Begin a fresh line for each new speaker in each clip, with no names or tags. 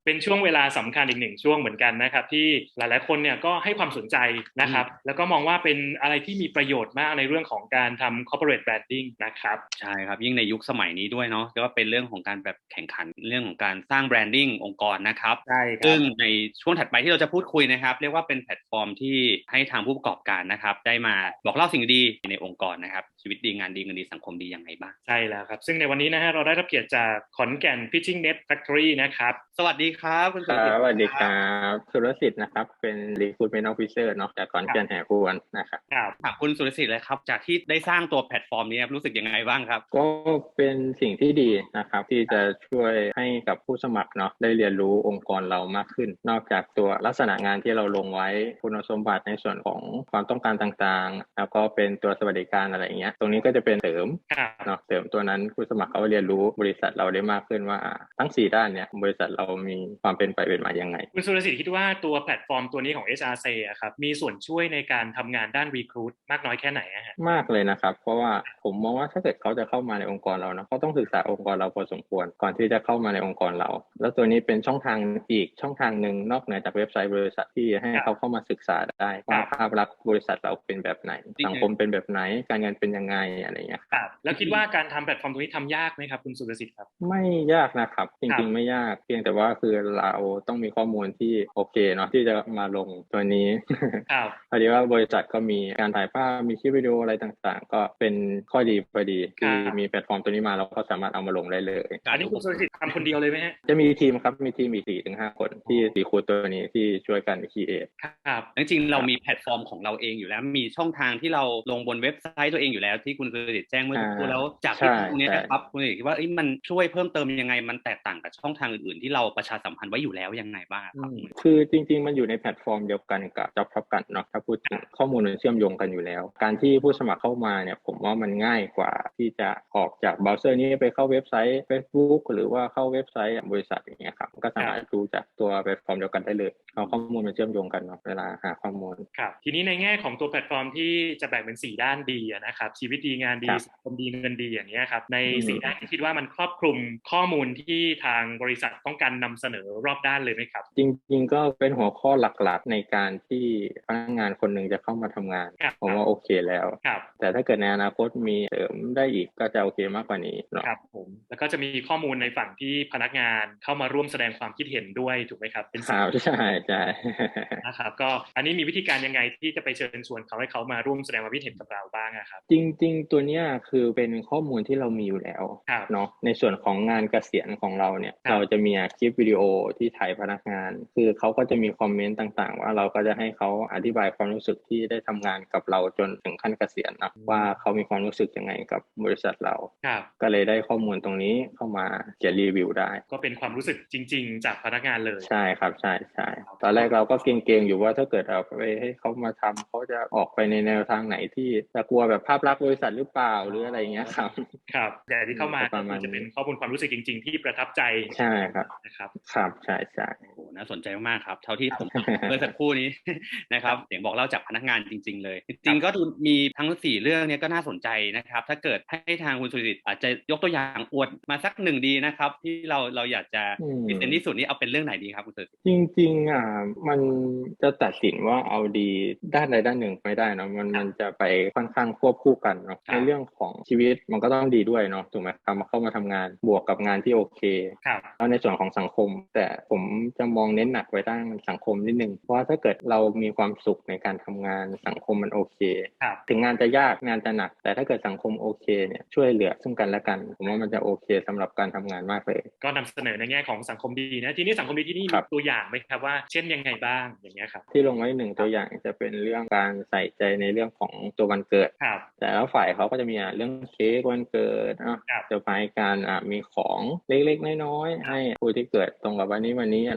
เป็นช่วงเวลาสำคัญอีกหนึ่งช่วงเหมือนกันนะครับที่หลายๆคนเนี่ยก็ให้ความสนใจนะครับแล้วก็มองว่าเป็นอะไรที่มีประโยชน์มากในเรื่องของการทำ corporate branding นะครับ
ใช่ครับยิ่งในยุคสมัยนี้ด้วยเนาะก็เป็นเรื่องของการแบบแข่งขันเรื่องของการสร้างแบรนดิ้งองค์กรนะครับ
ใช่ครับ
ซึ่งในช่วงถัดไปที่เราจะพูดคุยนะครับเรียกว่าเป็นแพลตฟอร์มที่ให้ทางผู้ประกอบการนะครับได้มาบอกเล่าสิ่งดีในองค์กรนะครับชีวิตดีงานดีเงินดีสังคมดียังไงบ้าง
ใช่แล้วครับซึ่งในวันนี้นะฮะเราได้รับเกียรติจากขอนแก่น Pitching Net Factory นะครับ
สวัสดีครับคุณ
ครับ
สุรศิษฐ์
สวัสดีครั
ครับ
บสุรสิทธิ์นะครับเป็น Recruitment Officer เนาะจากขอน
ครับ
แก่นแห่พวนนะครับ
ครับ
ถามคุณสุรศิษฐ์เลยครับจากที่ได้สร้างตัวแพลตฟอร์มนี้ครับรู้สึกยังไงบ้างครับ
ก็เป็นสิ่งที่ดีนะครับที่จะช่วยให้กับผู้สมัครเนาะได้เรียนรู้องค์กรเรามากขึ้นนอกจากตัวลักษณะงานที่เราลงไว้คุณสมบัติในส่วนของความต้องการต่างๆแล้วก็เป็นตัวสวัสดิการอะไรเงี้ยตรงนี้ก็จะเป็นเสริม
ครับ
เนาะเสริมตัวนั้นผู้สมัครเขาเรียนรู้บริษัทเราได้มากขึ้นว่าทั้ง4 ด้านเนี่ยบริษัทเรามีความเป็นไปเป็นมายังไง
คุณสุรศิษฐ์คิดว่าตัวแพลตฟอร์มตัวนี้ของ HRC อะครับมีส่วนช่วยในการทำงานด้าน recruit มากน้อยแค่ไหนอะฮะ
มากเลยนะครับเพราะว่าผมมองว่าถ้าเกิดเขาจะเข้ามาในองค์กรเรานะเขาต้องศึกษาองค์กรเราพอสมควรก่อนที่จะเข้ามาในองค์กรเราแล้วตัวนี้เป็นช่องทางอีกช่องทางหนึ่งนอกเหนือจากเว็บไซต์บริษัทที่ให้เขาเข้ามาศึกษาได้
ครั
ว่า
บ
ภาพลักษณ์บริษัทเราเป็นแบบไหนสังคมเป็นแบบไหนการเงินเป็นยังไงอะไรอย่างเงี้ย
ครับแล้วคิดว่าการทำแพลตฟอร์มตรงนี้ทำยากไหมครับคุณสุรศิษฐ์ครับ
ไม่ยากนะครับจ
ครับ
ริงๆไม่ยากเพียงแต่ว่าคือเราต้องมีข้อมูลที่โอเคเนาะที่จะมาลงตัวนี้
ครับ
พอดีว่าบริษัทก็มีการถ่ายภาพมีคลิปวิดีโออะไรต่างๆก็เป็นข้อดีพอดี
ครั
ที่
บ
มีแพลตฟอร์มตัวนี้มาเราก็สามารถเอามาลงได้เลย
อันนี้คุณสุรศิษฐ์ทำคนเดียวเลยไหมฮะ
จะมีทีมครับมีทีมอีก4 ถึง 5 คนที่รีครูทตัวนี้ที่ช่วยกันคีเอท
ครับ
จริงๆเรามีแพลตฟอร์มของเราเองอยู่แล้วมีช่องทางที่เราลงบนเว็บไซต์ตัวเองอยู่แล้วที่คุณสุรศิษฐ์แจ้งเมื่อสักครู่แล้วจากที่
ใช่
ตรงนี้
ใช่
นะครับคุณสุรศิษฐ์คิดว่ามันช่วยเพิ่มเติมยังไงมันแตกต่างกับช่องทางอื่นๆที่เราประชาสัมพันธ์ไว้อยู่แล้วยังไงบ้างครับ
คือจริงๆมันอยู่ในแพลตฟอร์มเดียวกันกับ Job Top กันเนาะถ้าพูดถึงข้อมูลมันเชื่อมโยงกันอยู่แล้วการที่ผู้สมัครเข้ามาเนี่ยผมว่ามันง่ายกว่าที่จะออกจากเบราว์เซอร์นี้ไปเข้าเว็บไซต์ Facebook หรือว่าเข้าเว็บไซต์บริษัทอย่างเงี้ยครับก็สามารถดูจากตัวแพลตฟอร์มเดียวกันได้เลยเอาข้อมูลมันเชื่อมโยงกันเนาะเวลาหาข้อมูล
ครับทีนี้ในแง่ของตัวแพลตฟอร์มที่จะแบ่งเป็น4ด้านดีนะครับชีวิตดีงานดี
ครับ
สังคมดีเงินดีอย่างเงี้ยครับใน
อื
4ด้านที่คิดว่ามันครอบคลุมข้อมูลที่ทางบริษัทต้องการนำเสนอรอบด้านเลยไหมครับ
จริงๆก็เป็นหัวข้อหลักๆในการที่พนักงานคนหนึ่งจะเข้ามาทำงาน
ครับ
ผมว่าโอเคแล้ว
ครับ
แต่ถ้าเกิดในอนาคตมีเสริมได้อีกก็จะโอเคมากกว่านี้เนาะ
ครับผมแล้วก็จะมีข้อมูลในฝั่งที่พนักงานเข้ามาร่วมแสดงความคิดเห็นด้วยถูกไหมครับเป็น
ค
สิ่ง
รับใช่ใช่
นะครับก็อันนี้มีวิธีการยังไงที่จะไปเชิญชวนเขาให้เขามาร่วมแสดงความคิดเห็นกับเราบ้างอะครับ
จริงๆตัวเนี้ยคือเป็นข้อมูลที่เรามีอยู่แล้ว
ครับ
เนาะในส่วนของงานเกษียณของเราเนี่ย
ครับ
เราจะมีคลิปวิดีโอที่ถ่ายพนักงานคือเขาก็จะมีคอมเมนต์ต่างๆว่าเราก็จะให้เขาอธิบายความรู้สึกที่ได้ทำงานกับเราจนถึงขั้นเกษียณนะว่าเขามีความรู้สึกยังไงกับบริษัทเรา
ครับ
ก็เลยได้ข้อมูลตรงนี้เข้ามาเขียนรีวิวได้
ก็เป็นความรู้สึกจริงๆจากพนักงานเลย
ใช่ครับใช่ใช่ตอนแรกเราก็เกรงๆอยู่ว่าถ้าเกิดเราไปให้เขามาทำเขาจะออกไปในแนวทางไหนที่จะกลัวแบบภาพลักษณ์บริษัทหรือเปล่าหรืออะไรอย่างเงี้ยครับ
ครับแต่ที่เข้ามา
ป
ก็
ระมาณนี้
คือจะเป็นข้อมูลความรู้สึกจริงๆที่ประทับใจ
ใช่ครับ
นะครับ
ครับใช่ใช่
โอ้โหน่าสนใจมากๆครับเท่าที่ผมฟังเมื่อสักครู่นี้ นะครับเสียงบอกเล่าจากพนักงานจริงๆเลยจริงๆก็ดูมีทั้ง4เรื่องเนี้ก็น่าสนใจนะครับถ้าเกิดให้ทางคุณสุริตอาจจะยกตัวอย่างอวดมาสักหนึ่งดีนะครับที่เราอยากจะพิเศษที่สุดนี้เอาเป็นเรื่องไหนดีครับคุณสุริต
จริงๆมันจะตัดสินว่าเอาดีด้านใดด้านหนึ่งไม่ได้เนอะมันจะไปค่อนข้างควบคู่กันเนาะในเรื่องของชีวิตมันก็ต้องดีด้วยเนาะถูกไหมครับมาเข้ามาทำงานบวกกับงานที่โอเค
ครับ
แล้วในส่วนของสังคมแต่ผมจะมองเน้นหนักไปด้านสังคมนิดนึงเพราะว่าถ้าเกิดเรามีความสุขในการทำงานสังคมมันโอเค
ครับ
ถึงงานจะยากงานจะหนักแต่ถ้าเกิดสังคมโอเคเนี่ยช่วยเหลือซึ่งกันและกันผมว่ามันจะโอเคสำหรับการทำงานมากเลย
ก็นำเสนอในแง่ของสังคมดีนะทีนี้สังคมดีที่นี่มี
ครับ
ตัวอย่างไหมครับว่าเช่นยังไงบ้างอย่างเงี้ยครับ
ที่ลงไว้1 ตัวอย่างจะเป็นเรื่องการใส่ใจในเรื่องของตัววันเกิด
ครับ
แต่แล้วฝ่ายเขาก็จะมีเรื่องเค้กวันเกิด
ครับ
เซอร์ไพรส์การมีของเล็กๆน้อยๆให้ผู้ที่เกิดตรงกับวันนี้อะไรเงี้ยครั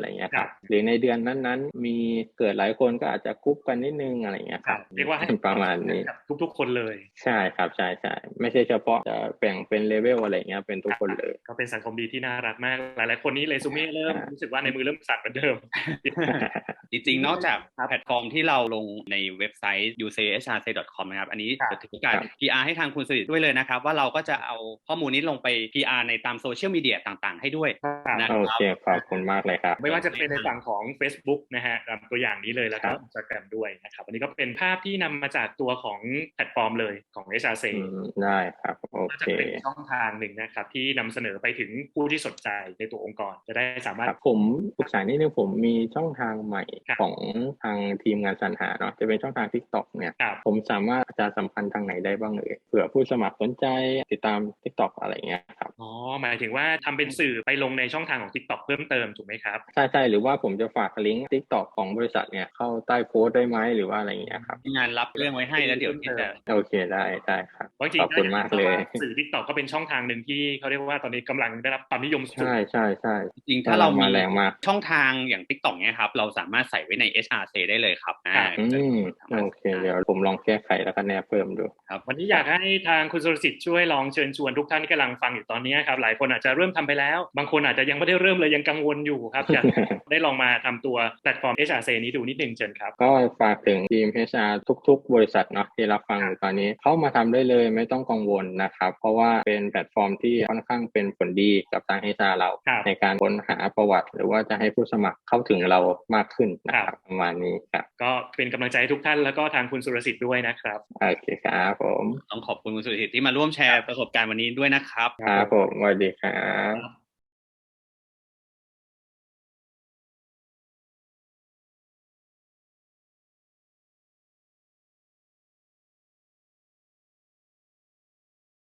ครับ
หรือในเดือนนั้นๆมีเกิดหลายคนก็อาจจะกรุ๊ปกันนิดนึงอะไรเงี้ยครับ
เรียกว่าให้
ประมาณนี้
กับทุกๆคนเลย
ใช่ครับใช่ใช่ไม่ใช่เฉพาะจะแบ่งเป็นเลเวลอะไรเงี้ยเป็นทุกคนเลย
ก็เป็นสังคมดีที่น่ารักมากหลายๆคนนี้เรซูเม่เริ่มรู้สึกว่าในมือเริ่มสั่นเหมือนเดิม
จริงๆ นอกจากแพลตฟอร์มที่เราลงในเว็บไซต์ uchrc.com นะครับอันนี้
ครับ
จะถือโอกาส PR ให้ทางคุณสุริตด้วยเลยนะครับว่าเราก็จะเอาข้อมูลนี้ลงไป PR ในตามโซเชียลมีเดียต่างๆ ให้ด้วยนะ
โอ
ครับ
เคขอบคุณมากเลยครับ
ไม่ว่าจะเป็นในฝั่งของ Facebook นะฮะตัวอย่างนี้เลยแล้วก็ Instagram ด้วยนะครับอันนี้ก็เป็นภาพที่นำมาจากตัวของแพลตฟอร์มเลยของ HRC
ได้ครับโอ
ก็
เค
จะเป็นช่องทางหนึ่งนะครับที่นำเสนอไปถึงผู้ที่สนใจในตัวองค์กรจะได้สามารถ
ครับผมปรึกษานิดนึงผมมีช่องทางใหม่
ครับ
ของทางทีมงานสรรหาเนาะจะเป็นช่องทาง TikTok เนี่ย
ครับ
ผมสามารถประชาสัมพันธ์ทางไหนได้บ้างเผื่อผู้สมัครสนใจติดตาม TikTok อะไรเงี้ยครับ
อ๋อหมายถึงว่าทำเป็นสื่อไปลงในช่องทางของ TikTok เพิ่มเติมถูกไหมครับ
ใช่หรือว่าผมจะฝากลิงก์ TikTok ของบริษัทเนี่ยเข้าใต้โพสต์ได้ไหมหรือว่าอะไรเงี้ยครับ
งานรับเรื่องไว้ให้แล้วเดี๋ยวที่จะ
โอเคได้ครับ
เพราะจริง
ขอบคุณมากเลย
สื่อ TikTok ก็เป็นช่องทางหนึ่งที่เขาเรียกว่าตอนนี้กำลังได้รับความนิยมสูง
ใช่
จริงๆถ้าเรามี
แรงมาก
ช่องทางอย่าง TikTok เนี่ยครับเราสามารถใส่ไว้ใน HRC ได้เลยครับ
โอเคเดี๋ยวผมลองแก้ไขแล้วก็แนบเพิ่มดู
ครับ
วันนี้อยากให้ทางคุณสุรสิทธิ์ช่วยลองเชิญชวนทุกท่านที่กำลังฟังอยู่ตอนนี้ครับหลายคนอาจจะเริ่มทำไปแล้วบางคนอาจจะยังไม่ได้เริ่มเลยยังกังวลอยู่ครับอยาก ได้ลองมาทำตัวแพลตฟอร์ม HRC นี้ดูนิดนึงเชิญครับ
ก็ฝากถึงทีม HR ทุกๆ บริษัทเนาะที่รับฟังอยู่ตอนนี้เข้ามาทำได้เลยไม่ต้องกังวลนะครับเพราะว่าเป็นแพลตฟอร์มที่ค่อนข้างเป็นผลดีกับทาง HR เรา
ครับ
ในการค้นหาประวัติ หรือว่าจะให้ผู้สมัครเข้าถึงเรามากขึ้นนะครับประมาณนี้ครับ
ก็เป็นกำลังใจให้ทุกท่านแล้วก็ทางคุณสุรสิทธิ์ด้วยนะครับ
โอเคครับผม
ต้องขอบคุณคุณสุริตที่มาร่วมแชร์ประสบการณ์วันนี้ด้วยนะครับ
ครับผมสวัสดีครับ